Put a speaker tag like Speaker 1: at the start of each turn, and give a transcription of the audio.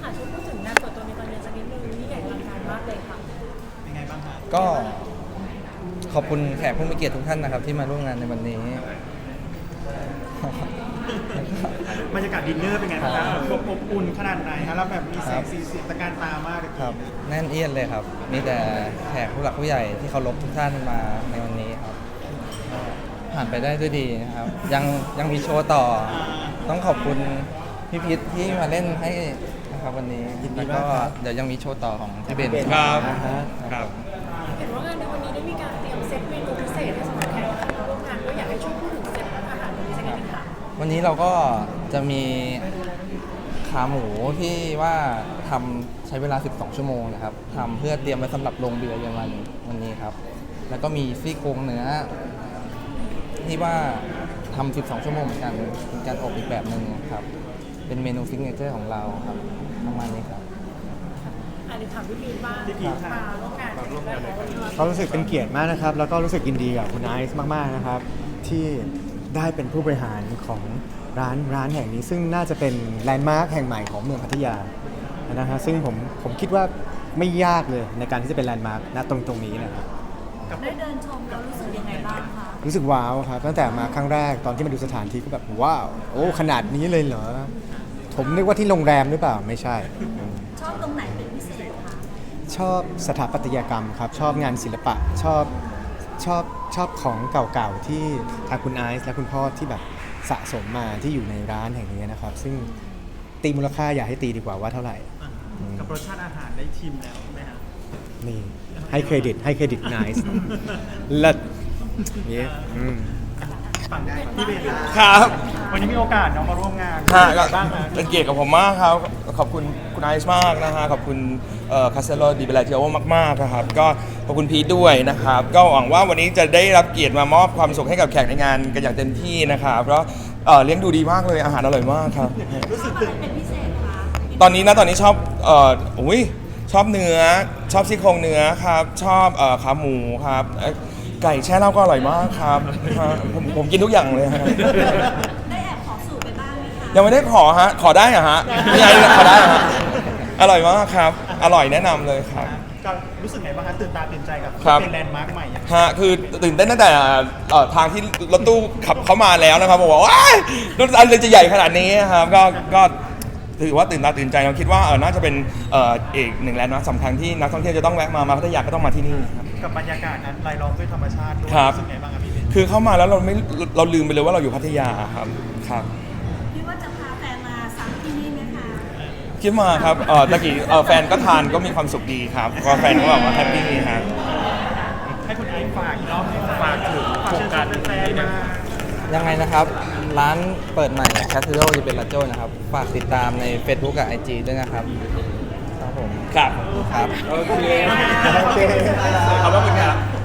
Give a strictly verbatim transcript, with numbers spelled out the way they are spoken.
Speaker 1: ค่ะช่วยพูดถึงงานเปิดตัวในตอนเย็นสักนิดนึงนี่ใหญ่อลังการมากเลยค่ะ
Speaker 2: ยังไงบ้างคะ
Speaker 3: ก็ขอบคุณแขกผู้มีเกียรติทุกท่านนะครับที่มาร่วมงานในวันนี้
Speaker 2: บรรยากาศดินเนอร์เป็นไงบ้างครับอบอบอุ่นขนาดไหนครับแล้วแบบมีแสงสีเสียงตะการตามากเลย
Speaker 3: ครับแน่นเอียดเลยครับมีแต่แขกผู้หลักผู้ใหญ่ที่เคารพทุกท่านมาในวันนี้ครับผ่านไปได้ด้วยดีนะครับยังยังมีโชว์ต่อต้องขอบคุณพี่พิษที่มาเล่นให้นะครับวันนี้แล้วก็เดี๋ยวยังมีโชว์ต่อของพี่เบน
Speaker 4: ครับ
Speaker 3: ครับ
Speaker 1: เห็นว่างานในวันนี้ได้มีการเตรียมเซตเมนูพิเศษให้สำหรับแขกที่มาร่วมงานก็อยากให้ช่วยพูดถึงเซตอาหารวันนี้สักนิดนึงค่ะ
Speaker 3: วันนี้เราก็จะมีขาหมูที่ว่าทำใช้เวลาสิบสองชั่วโมงนะครับทำเพื่อเตรียมไว้สำหรับลงเรือเย็นวันวันนี้ครับแล้วก็มีซี่โครงเนื้อที่ว่าทำสิบสองชั่วโมงเหมือนกันเป็นการอบอีกแบบหนึ่งครับเป็นเมนูซิกเนเจอร์ของเราครับประมาณนี้ครับ
Speaker 1: อันนี้ถามพี่พีทบ้างมาร่วมงานร่วมงาน
Speaker 4: ก็รู้สึกเป็นเกียรติมากนะครับแล้วก็รู้สึกยินดีกับคุณไอซ์มากๆนะครับที่ได้เป็นผู้บริหารของร้านร้านแห่งนี้ ซึ่งน่าจะเป็นแลนด์มาร์คแห่งใหม่ของเมืองพัทยานะฮะซึ่งผมผมคิดว่าไม่ยากเลยในการที่จะเป็นแลนด์มาร์คณตรงตรงนี้นะครับ
Speaker 1: ได้เดินชมแล้วรู้สึกยังไงบ้างคะ
Speaker 4: รู้สึกว้าวครับตั้งแต่มาครั้งแรกตอนที่มาดูสถานที่ก็แบบว้าวโอ้ขนาดนี้เลยเหรอผมนึกว่าที่โรงแรมหรือเปล่าไม่ใช่
Speaker 1: ชอบตรงไหนเป็นพิเศษคะ
Speaker 4: ชอบสถาปัตยกรรมครับชอบงานศิลปะชอบชอบชอบของเก่าๆที่ทางคุณไอซ์และคุณพ่อที่แบบสะสมมาที่อยู่ในร้านแห่งนี้นะครับซึ่งตีมูลค่าอย่าให้ตีดีกว่าว่าเท่าไหร่
Speaker 2: กับรสชาติอาหารได้ชิมแล้วใช่ไหมครับ
Speaker 4: นี่ให้เครดิตให้เครดิตไนซ์เลิศนี่
Speaker 2: ฝั่งได้พี่เบน
Speaker 5: ครับ
Speaker 2: วันนี้มีโอกาสน้องมาร่วมงาน
Speaker 5: ฮะก็
Speaker 2: บ้างฮะ
Speaker 5: เป็นเกียรติกับผมมากครับขอบคุณคุณไอซ์มากนะฮะขอบคุณคาสเซโลดิเบลาเทโอมากๆนะครับก็ขอบคุณพีทด้วยนะครับก็หวังว่าวันนี้จะได้รับเกียรติมามอบความสุขให้กับแขกในงานกันอย่างเต็มที่นะครับแล้วเลี้ยงดูดีมากเลยอาหารอร่อยมากครับ
Speaker 2: รู้สึกตื่น
Speaker 1: เป็นพิเศษคะ
Speaker 5: ตอนนี้นะตอนนี้ชอบเอ่ออุ้ยชอบเนื้อชอบซี่โครงเนื้อครับชอบเอ่อขาหมูครับไก่แช่เหล้าก็อร่อยมากครับผมผมกินทุกอย่างเลยครับ
Speaker 1: ได้แอบขอสูตรไปบ้างไหมคะ
Speaker 5: ยังไม่ได้ขอฮะขอได้อะฮะยังไงขอได้ฮะอร่อยมากครับอร่อยแนะนำเลยครับ
Speaker 2: ก็รู้สึกไงบ้างคะตื่นตาตื่นใจกับเป็นแลนด์มาร์คใหม่
Speaker 5: ฮะคือตื่นเต้นตั้งแต่ทางที่รถตู้ขับเข้ามาแล้วนะครับบอกว่าว้ายรถอะไรจะใหญ่ขนาดนี้ครับก็ก็ถือว่าตื่นตาตื่นใจเราคิดว่าเออน่าจะเป็นเอ่ออีกหนึ่งแลนด์มาร์คสำคัญที่นักท่องเที่ยวจะต้องแวะมามาพัทยาก็ต้องมาที่นี่ครับ
Speaker 2: กับบรรยากาศนั้นรายล้อมด้วยธรรมชาติด้วยรู้สึกไงบ้างครับพี่เบน
Speaker 5: คือเข้ามาแล้วเราไม่เราลืมไปเลยว่าเราอยู่พัทยาครับครับ
Speaker 1: คิดว่าจะพาแฟนมาซ้ำที่นี่ไหมคะ
Speaker 5: คิดมาครับเออตะกี้เออแฟนก็ทานก็มีความสุขดีครับก็แฟนก็บอกว่าแฮปปี้ครับ
Speaker 2: ให้คุณไอซ์ฝากอีกรอบฝากถึงโครงการแฟนๆมา
Speaker 3: ยังไงนะครับร้านเปิดใหม่ Casino di Bellagio นะครับฝากติดตามใน Facebook กับ ไอ จี ด้วยนะครับครับผม
Speaker 5: ครับ
Speaker 3: ครับ
Speaker 5: โอเคขอบคุณครับ